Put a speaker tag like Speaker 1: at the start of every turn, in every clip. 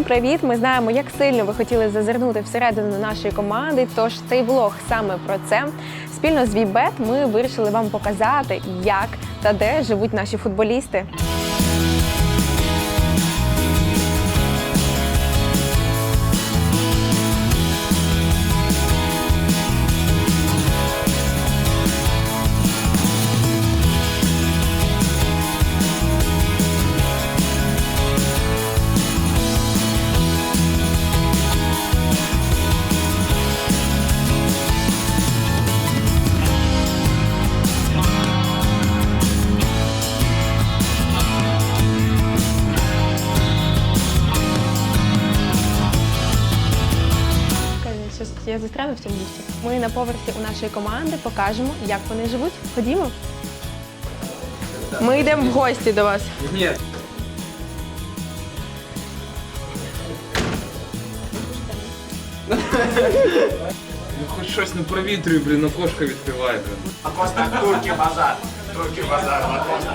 Speaker 1: привіт! Ми знаємо, як сильно ви хотіли зазирнути всередину нашої команди, тож цей влог саме про це. Спільно з Вібет ми вирішили вам показати, як та де живуть наші футболісти. Я застряну в цьому місці. Ми на поверсі у нашої команди покажемо, як вони живуть. Ходімо. Ми йдемо в гості до вас.
Speaker 2: Ні. Ну хоч щось не провітрюй, блін, окошко відкривай, блін.
Speaker 3: Акоста, турки базар. Турки базар, Акоста.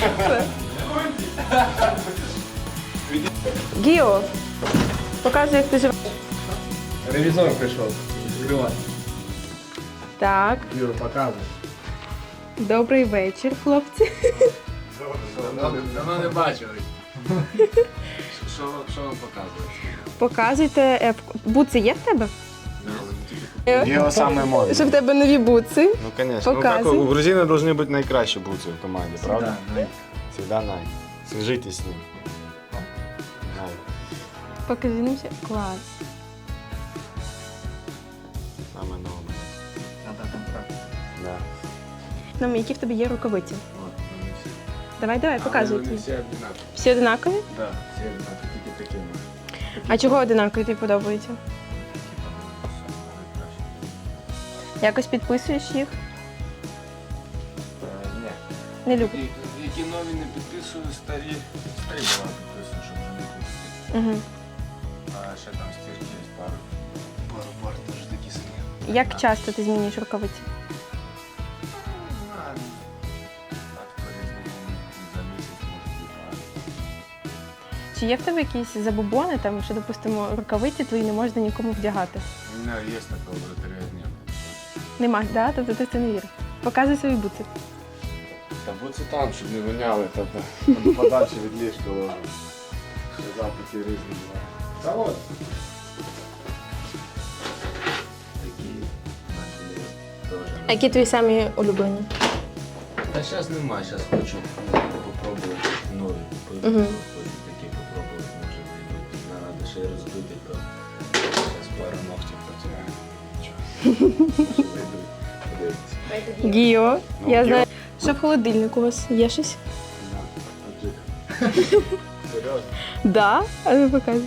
Speaker 1: Гіо, показуй, як ти живеш.
Speaker 2: Ревізор прийшов. Відкривай.
Speaker 1: Так.
Speaker 3: Юра, показуй.
Speaker 1: Добрий вечір, хлопці.
Speaker 3: Давно не бачили. Що вам показує?
Speaker 1: Показуйте. Буци є в тебе?
Speaker 4: Його саме модне.
Speaker 1: Що в тебе нові буци?
Speaker 4: Ну, конечно. Ну, как,
Speaker 1: Показуй.
Speaker 4: у грузина должны быть найкращі бутсы в команде, правда?
Speaker 3: Да,
Speaker 4: Всегда най. Свяжитесь с ним. Най.
Speaker 1: Покажи нам ще. Клас.
Speaker 4: Саме нове. Да.
Speaker 1: Нам які в тебе є рукавиці? Давай, показуй.
Speaker 3: Вони всі одинакові.
Speaker 1: Всі одинакові?
Speaker 3: Так, всі одинакові, тільки такі.
Speaker 1: А чого одинакові тобі подобаються? Якось підписуєш їх?
Speaker 3: Ні.
Speaker 1: Не люблю.
Speaker 3: Які нові не підписую, старі була підписую, щоб вже не купити.
Speaker 1: Угу.
Speaker 3: А ще там стірки є пару теж такі самі.
Speaker 1: Як часто ти змінюєш рукавиці?
Speaker 3: Так, по-різному за місяць може бути.
Speaker 1: Чи є в тебе якісь забобони, там, що, допустимо, рукавиці твої не можна нікому вдягати?
Speaker 3: У мене є такого вратаря дня.
Speaker 1: Нема, да? Тобто ти в це не віриш? Показуй свої буци.
Speaker 3: Та будь там, щоб не воняли, тобто подальше від ліжка ложу. Ще запахи різні. Та от. Такі наші теж.
Speaker 1: А які твої самі улюблені?
Speaker 3: Та зараз немає, зараз хочу попробувати нові.
Speaker 1: Мгм.
Speaker 3: Хочу такі попробувати, може вийдуть. Треба ще й роздути, то зараз пару ногтів потягаю. Що вийдуть, подивитися.
Speaker 1: Гіо, я знаю. Що в холодильнику у вас є щось?
Speaker 3: Серйозно?
Speaker 1: Да? А ну показуй.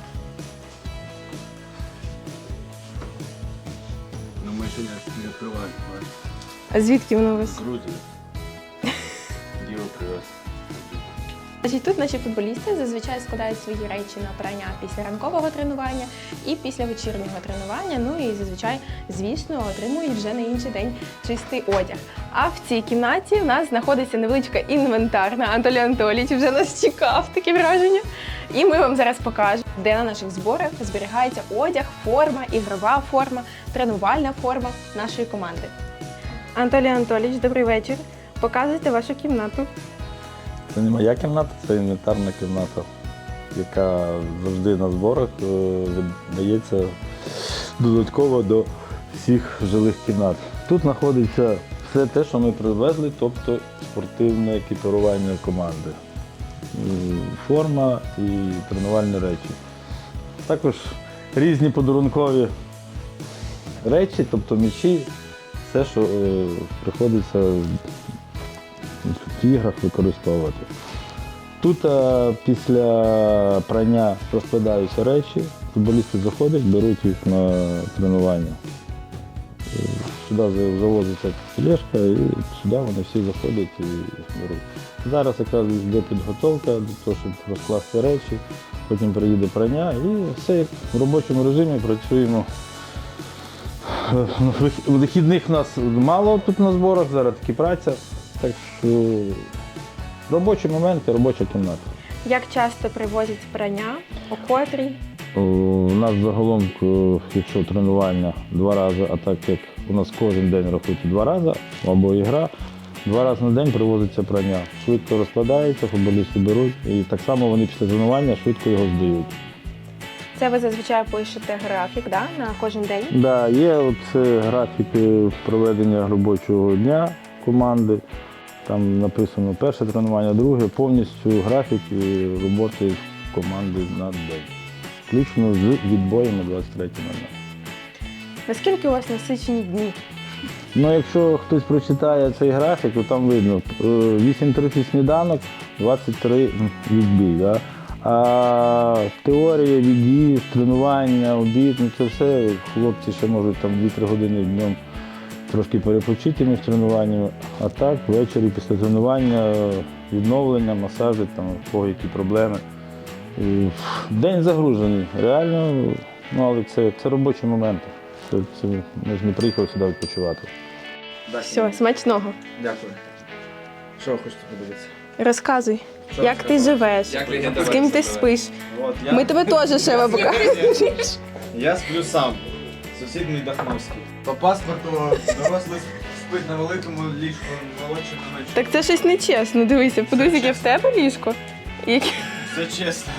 Speaker 3: Ну ми ще не відкриваємо.
Speaker 1: А звідки воно у вас?
Speaker 3: Грузія. Діло привез.
Speaker 1: Значить, тут наші футболісти зазвичай складають свої речі на прання після ранкового тренування і після вечірнього тренування. Ну і зазвичай, звісно, отримують вже на інший день чистий одяг. А в цій кімнаті в нас знаходиться невеличка інвентарна. Анатолій Анатолійович вже нас чекав, таке враження. І ми вам зараз покажемо, де на наших зборах зберігається одяг, форма, ігрова форма, тренувальна форма нашої команди. Анатолій Анатолійович, добрий вечір. Показуйте вашу кімнату.
Speaker 5: Це не моя кімната, це інвентарна кімната, яка завжди на зборах видається додатково до всіх жилих кімнат. Тут знаходиться все те, що ми привезли, тобто спортивне екіпірування команди. Форма і тренувальні речі. Також різні подарункові речі, тобто м'ячі, все, що приходиться в іграх використовувати. Тут після прання розкладаються речі, футболісти заходять, беруть їх на тренування. Сюди завозиться тележка і сюди вони всі заходять і беруть. Зараз якраз йде підготовка до того, щоб розкласти речі, потім приїде прання і все як в робочому режимі працюємо. Вихідних у нас мало тут на зборах, зараз таки праця. Так що робочі моменти, робоча кімната.
Speaker 1: Як часто привозять прання? О котрій?
Speaker 5: У нас загалом, якщо тренування 2 рази, а так як у нас кожен день рахується 2 рази, або ігра, 2 рази на день привозиться прання. Швидко розкладається, футболісти беруть, і так само вони після тренування швидко його здають.
Speaker 1: Це ви зазвичай пишете графік, да? На кожен день?
Speaker 5: Да, є графік проведення робочого дня команди. Там написано перше тренування, друге, повністю графік роботи команди на день. Включно з відбоями 23.00.
Speaker 1: Наскільки у вас насичені дні?
Speaker 5: Ну, якщо хтось прочитає цей графік, то там видно 8:30 сніданок, 23 відбій. Да? А теорія, від'їзд, тренування, обід, ну це все. Хлопці ще можуть там 2-3 години днем трошки перепочити між тренуваннями. А так, ввечері після тренування, відновлення, масажі, там, у кого які проблеми. І день загружений, реально, ну, але це робочі моменти. Ми ж не приїхали сюди відпочивати.
Speaker 1: Все, смачного.
Speaker 2: Дякую. Що ви хочете подивитися?
Speaker 1: Розказуй, як ти живеш, з ким ти спиш.
Speaker 3: От,
Speaker 1: Ми тебе теж ще покажемо.
Speaker 3: Я сплю сам. Сусід мій Дахновський. По паспорту дорослий спить на великому ліжку, молодший на ночі.
Speaker 1: Так це щось нечесно, дивися, подивись, яке в тебе ліжко.
Speaker 3: Все чесно.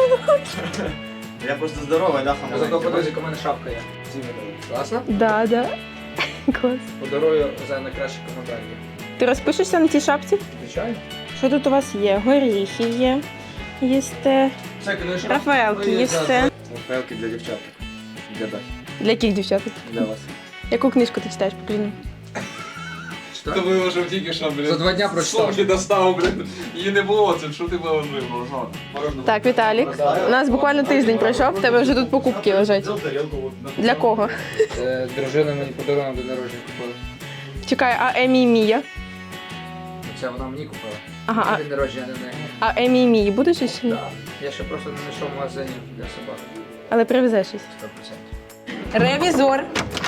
Speaker 3: Я просто здоровий, Даха
Speaker 2: Зато
Speaker 3: маленький.
Speaker 2: подивись, яка у мене шапка є. Класно?
Speaker 1: Да, да. Клас.
Speaker 2: Подарую за найкраще коментарі.
Speaker 1: Ти розпишешся на тій шапці?
Speaker 2: Звичайно.
Speaker 1: Що тут у вас є? Горіхи є, їсте,
Speaker 2: Це книжка.
Speaker 1: Рафаелки їсте.
Speaker 2: Рафаелки для дівчаток. Для Дахи.
Speaker 1: Для яких дівчат?
Speaker 2: Для вас.
Speaker 1: Яку книжку ти читаєш, покажи мені?
Speaker 2: Ти виложив тільки що, блін. За 2 дня прочитав. Сумки достав, блін. Її не було, це що ти виложив?
Speaker 1: Так, Віталік, у нас буквально тиждень пройшов, в тебе вже тут покупки лежать. Для кого?
Speaker 2: Дружина мені подарунок до народження купила.
Speaker 1: Чекай, а Емі і Мія?
Speaker 2: Це вона мені купила.
Speaker 1: Ага,
Speaker 2: День народження не в неї.
Speaker 1: а Емі і Мії будеш ще? Ні?
Speaker 2: Я ще просто не знайшов магазинів для собак.
Speaker 1: Але привезеш щось.
Speaker 2: 100%.
Speaker 1: Ревізор.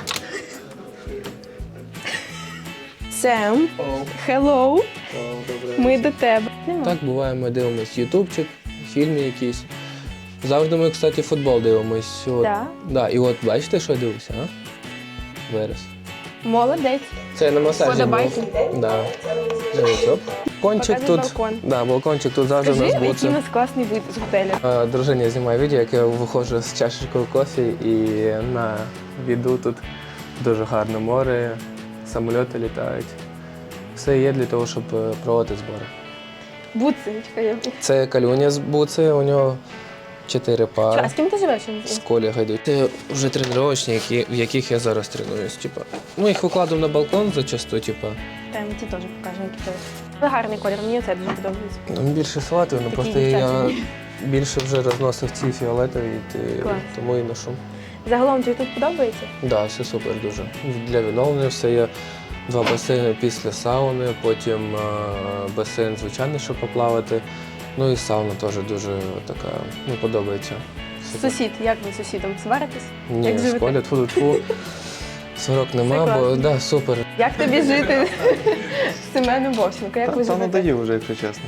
Speaker 1: Сем, hello, ми до тебе.
Speaker 6: Так, буває, ми дивимось ютубчик, фільми якісь. Завжди ми, кстати, футбол дивимось. От,
Speaker 1: Да?
Speaker 6: Да, і от бачите, що я дивився, а? Вираз.
Speaker 1: Молодець.
Speaker 6: Це я на масажі
Speaker 1: Подобайки.
Speaker 6: був. Да. Дивіться, оп. Балкончик
Speaker 1: Показуй
Speaker 6: тут.
Speaker 1: балкон.
Speaker 6: Да, балкончик тут завжди
Speaker 1: Скажи,
Speaker 6: в нас був.
Speaker 1: який у нас класний вид з готелю.
Speaker 6: Дружині знімає відео, як я виходжу з чашечкою кофі і на віду тут дуже гарне море, самольоти літають. Все є для того, щоб проводити збори.
Speaker 1: Буци, чекай.
Speaker 6: Це Калюня з Буци, у нього 4 пари.
Speaker 1: А з ким ти живеш?
Speaker 6: З колегою йдуть. Це вже тренувачні, в яких я зараз тренуюсь. Типа. Ми їх викладемо на балкон зачасту, типа.
Speaker 1: Та ми ті теж покажемо, які тебе. Але гарний колір, мені це дуже подобається.
Speaker 6: Ну, більше салатовий, ну
Speaker 1: Такий
Speaker 6: просто я
Speaker 1: дівчачий.
Speaker 6: більше вже розносив ці фіолетові,
Speaker 1: Клас.
Speaker 6: тому і ношу.
Speaker 1: Загалом тобі тут подобається?
Speaker 6: Так, да, все супер дуже. Для відновлення все є 2 басейни після сауни, потім басейн звичайний, щоб поплавати. Ну і сауна теж дуже така, ну, подобається. Супер.
Speaker 1: Сусід, як ви з сусідом сваритесь?
Speaker 6: Ні,
Speaker 1: Як живете?
Speaker 6: школя, тьфу-тьфу. Сварок нема,
Speaker 1: класно.
Speaker 6: бо да, супер.
Speaker 1: Як тобі жити з Семеном Вовченко? Як ви
Speaker 4: Та
Speaker 1: живете?
Speaker 4: надоїв вже, якщо чесно.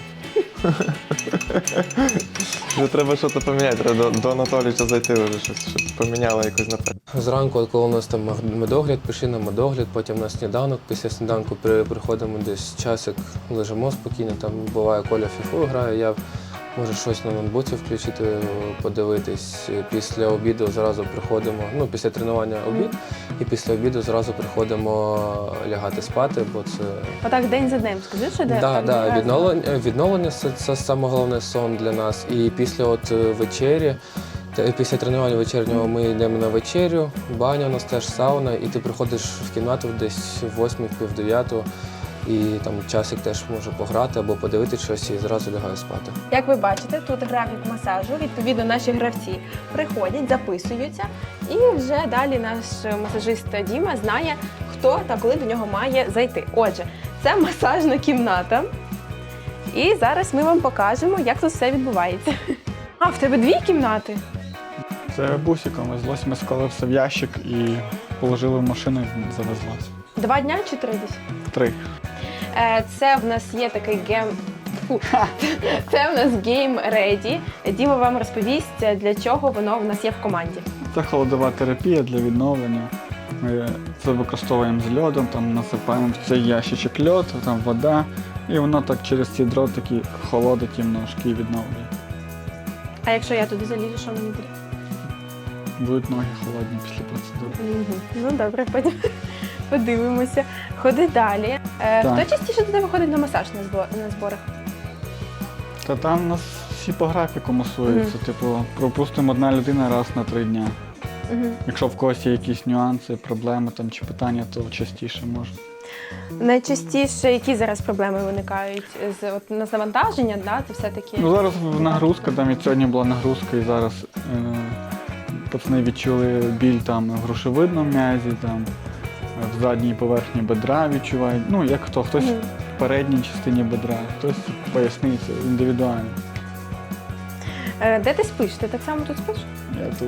Speaker 4: Вже треба щось поміняти, треба до Анатолійовича зайти вже, щось поміняло якось напевно.
Speaker 6: Зранку, от коли у нас там медогляд, пішли на медогляд, потім на сніданок. Після сніданку приходимо десь часик, лежимо спокійно, там буває Коля фіфу грає, я можу щось на ноутбуці включити, подивитись. Після обіду зразу приходимо, ну після тренування обід, і після обіду зразу приходимо лягати спати, бо це
Speaker 1: Отак день за днем, скажи, що де?
Speaker 6: да,
Speaker 1: так,
Speaker 6: да,
Speaker 1: раз.
Speaker 6: відновлення це саме головне сон для нас. І після от вечері, після тренування вечірнього ми йдемо на вечерю, баня у нас теж сауна, і ти приходиш в кімнату десь в 8-9, і там часик теж може пограти або подивитися щось і зразу лягаю спати.
Speaker 1: Як ви бачите, тут графік масажу. Відповідно, наші гравці приходять, записуються, і вже далі наш масажист Діма знає, хто та коли до нього має зайти. Отже, це масажна кімната. І зараз ми вам покажемо, як тут все відбувається. А, в тебе 2 кімнати?
Speaker 7: Це бусиком везлось, ми склали все в ящик і положили в машину і завезлось.
Speaker 1: 2 дня чи 3 десь?
Speaker 7: 3.
Speaker 1: Це в нас є такий Фу. Це в нас Game Ready. Діма вам розповість, для чого воно в нас є в команді.
Speaker 7: Це холодова терапія для відновлення. Ми це використовуємо з льодом, там насипаємо в цей ящичок льод, там вода, і воно так через ці дротики холодить їм ножки і відновлює.
Speaker 1: А якщо я туди залізу, що мені буде?
Speaker 7: Будуть ноги холодні після процедури.
Speaker 1: Ну добре, потім подивимося. Ходи далі. Хто частіше туди виходить на масаж на зборах?
Speaker 7: Та там у нас всі по графіку масуються. Типу, пропустимо одна людина раз на 3 дня. Якщо в когось є якісь нюанси, проблеми там, чи питання, то частіше можна.
Speaker 1: Найчастіше які зараз проблеми виникають? От у нас навантаження, да? Це все-таки...
Speaker 7: Ну зараз нагрузка, там і сьогодні була нагрузка, і зараз пацани відчули біль там в грушевидному м'язі, там в задній поверхні бедра відчувають. Ну, як хто, хтось в передній частині бедра, хтось в поясниці, індивідуально.
Speaker 1: Де ти спиш? Ти так само тут спиш?
Speaker 7: Я тут.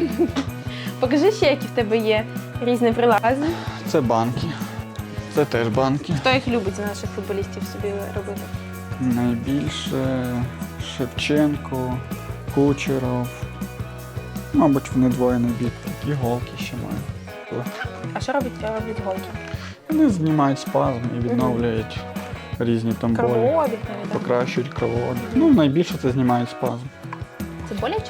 Speaker 1: Покажи ще, які в тебе є різні прилади.
Speaker 7: Це банки. Це теж банки.
Speaker 1: Хто їх любить з наших футболістів собі робити?
Speaker 7: Найбільше Шевченко, Кучеров. Мабуть, вони двоє найбільші. І голки ще мають.
Speaker 1: А що роблять голки?
Speaker 7: Вони знімають спазм і відновлюють різні там болі.
Speaker 1: Кровообіг навіть. Так?
Speaker 7: Покращують кровообіг. Ну, найбільше це знімають спазм.
Speaker 1: Це боляче?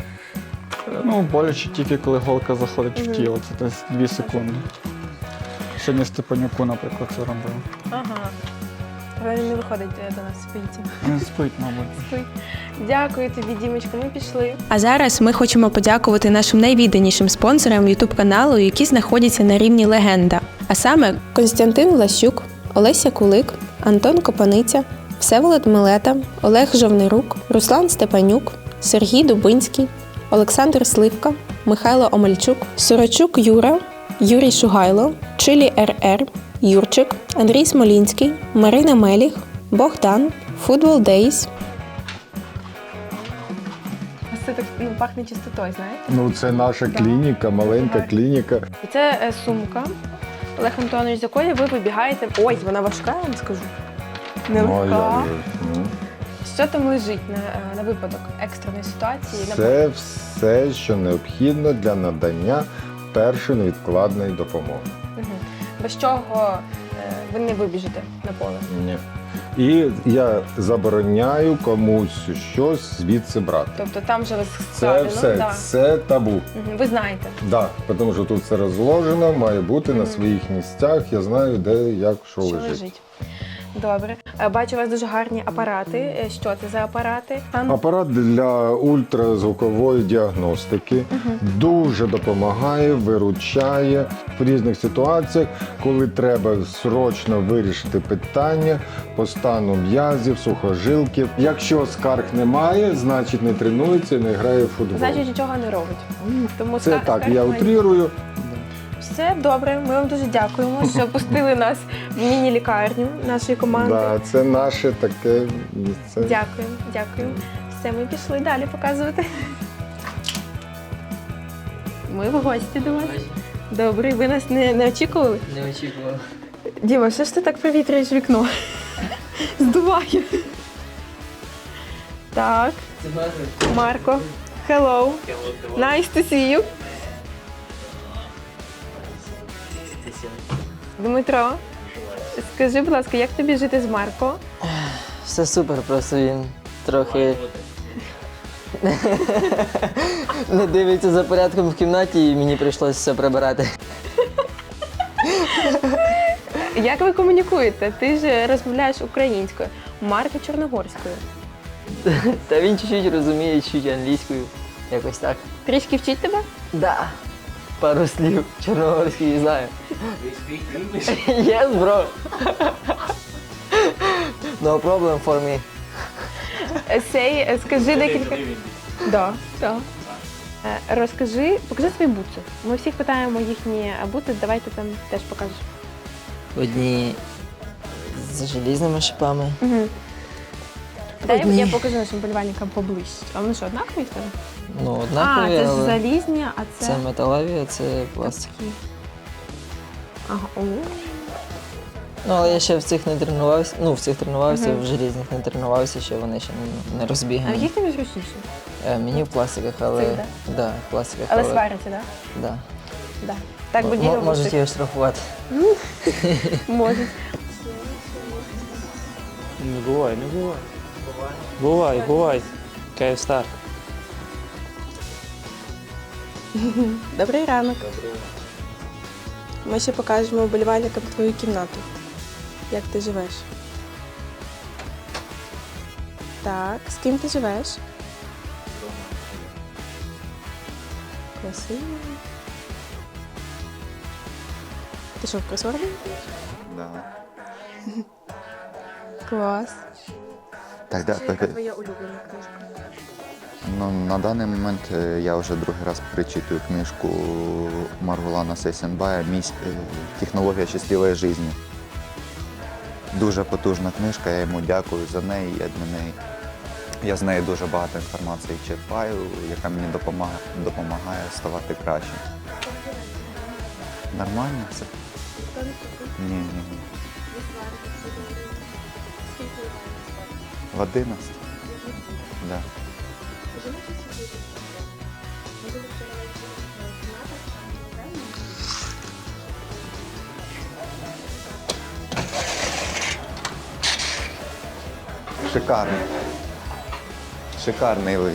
Speaker 7: Ну, боляче тільки коли голка заходить в тіло, це десь 2 секунди. Сьогодні Степанюку, наприклад, це робив.
Speaker 1: Ага. Але він не виходить до нас з поліції.
Speaker 7: Не спить, мабуть.
Speaker 1: Дякую тобі, Дімочка, ми пішли.
Speaker 8: А зараз ми хочемо подякувати нашим найвідданішим спонсорам YouTube каналу, які знаходяться на рівні легенда. А саме Костянтин Влащук, Олеся Кулик, Антон Копаниця, Всеволод Милета, Олег Жовнирук, Руслан Степанюк, Сергій Дубинський, Олександр Сливка, Михайло Омельчук, Сурочук Юра, Юрій Шугайло, Чилі РР, Юрчик, Андрій Смолінський, Марина Меліх, Богдан, Football Days.
Speaker 1: Ось це так пахне чистотою, знаєте?
Speaker 9: Ну, це наша клініка, маленька клініка.
Speaker 1: І це сумка, Олег Антонович, з якої ви вибігаєте. Ой, вона важка, я вам скажу.
Speaker 9: Ну, а
Speaker 1: Нелегка.
Speaker 9: як же? Ну,
Speaker 1: Що там лежить на випадок екстреної ситуації?
Speaker 9: це все, що необхідно для надання першої невідкладної допомоги.
Speaker 1: Мгм. Без чого ви не вибіжите на поле?
Speaker 9: Ні. І я забороняю комусь щось звідси брати.
Speaker 1: Тобто там же ви
Speaker 9: Це
Speaker 1: складено?
Speaker 9: все,
Speaker 1: Да.
Speaker 9: це табу.
Speaker 1: Мгм. Ви знаєте.
Speaker 9: Так, тому що тут все розложено, має бути на своїх місцях. Я знаю, де, як, що лежить.
Speaker 1: Добре. Бачу, у вас дуже гарні апарати. Що це за апарати?
Speaker 9: Апарат для ультразвукової діагностики дуже допомагає, виручає в різних ситуаціях, коли треба срочно вирішити питання по стану м'язів, сухожилків. Якщо скарг немає, значить не тренується і не грає в футбол.
Speaker 1: Значить, нічого не робить. Тому
Speaker 9: Це так,
Speaker 1: скарг
Speaker 9: я
Speaker 1: має.
Speaker 9: утрірую.
Speaker 1: Все добре. Ми вам дуже дякуємо, що пустили нас в міні-лікарню нашої команди.
Speaker 9: Да, це наше таке місце.
Speaker 1: Дякую. Все, ми пішли далі показувати. Ми в гості до вас. Добре, ви нас не очікували?
Speaker 10: Не очікував.
Speaker 1: Діма, що ж ти так провітрюєш вікно? Здуває. Так,
Speaker 10: Це Марко.
Speaker 1: Марко. Hello. Nice to see you. Дмитро, скажи, будь ласка, як тобі жити з Марко?
Speaker 10: Все супер, просто він трохи не дивиться за порядком в кімнаті і мені прийшлося все прибирати.
Speaker 1: Як ви комунікуєте? Ти ж розмовляєш українською, Марко чорногорською.
Speaker 10: Та він чуть-чуть розуміє, чуть англійською. Якось так.
Speaker 1: Трішки вчить тебе?
Speaker 10: Да. Пару слів чорногорської знаю. Yes, bro. No problem for me.
Speaker 1: Скажи декілька. Да. Розкажи, покажи свої бутси. Ми всіх питаємо їхні бутси, давай ти там теж покажеш.
Speaker 10: Одні з желізними шипами.
Speaker 1: Угу. Дай
Speaker 10: Одні.
Speaker 1: я покажу нашим болівальникам поближче. А вони що, однакові в тебе?
Speaker 10: Ну, однакові,
Speaker 1: це ж
Speaker 10: але
Speaker 1: залізні, а це...
Speaker 10: це металеві, а це пластик.
Speaker 1: Такі. Ага. О.
Speaker 10: Ну, але я ще в цих не тренувався, в цих тренувався, в желізних не тренувався, ще вони ще не
Speaker 1: А в
Speaker 10: розбігані.
Speaker 1: яких тобі зручніше?
Speaker 10: Мені в пластиках, але...
Speaker 1: Цих,
Speaker 10: Да, в пластиках,
Speaker 1: Але сваряться, так?
Speaker 10: Да.
Speaker 1: Да. Так би діло
Speaker 10: Можуть його штрафувати.
Speaker 1: Можуть.
Speaker 11: Не бувай. Бувай. Київстар.
Speaker 8: Добрий ранок. Ми ще покажемо вболівальникам твою кімнату. Як ти живеш? Так, з ким ти живеш? Красиво. Ти що, в кросворді?
Speaker 12: Да.
Speaker 8: Клас.
Speaker 12: Так, да,
Speaker 8: Яка твоя улюблена книжка?
Speaker 12: Ну, на даний момент я вже другий раз перечитую книжку Маргулана Сейсенбая «Технологія щасливої життя». Дуже потужна книжка, я йому дякую за неї. Я з неї дуже багато інформації черпаю, яка мені допомагає ставати краще. Нормально все? Ні. В 11? Да. Шикарний вид.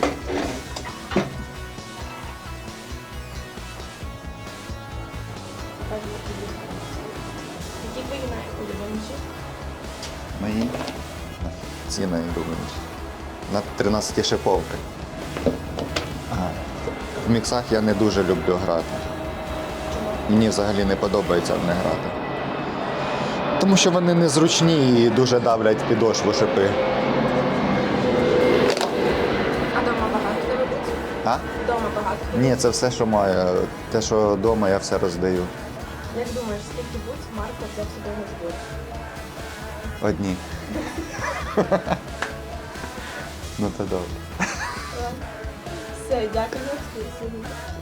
Speaker 1: Які твої найулюбленіші?
Speaker 12: Мої ці найулюбленіші. На 13 шиповки. В міксах я не дуже люблю грати. Мені взагалі не подобається в них грати. Тому що вони незручні і дуже давлять підошву шипи.
Speaker 1: А дома багато тебе буде?
Speaker 12: А?
Speaker 1: Дома багато.
Speaker 12: Ні, це все, що маю. Те, що вдома, я все роздаю.
Speaker 1: Як думаєш, скільки будь Марко взяв собі на збір?
Speaker 12: Одні. Ну то добре.
Speaker 1: Все, дякую за екскурсію.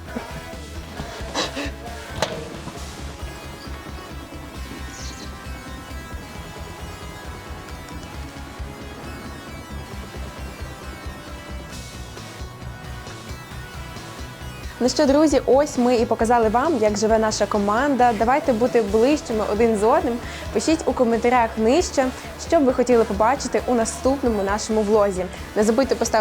Speaker 8: Ну що, друзі, ось ми і показали вам, як живе наша команда. Давайте бути ближчими один з одним. Пишіть у коментарях нижче, що б ви хотіли побачити у наступному нашому влозі. Не забудьте поставити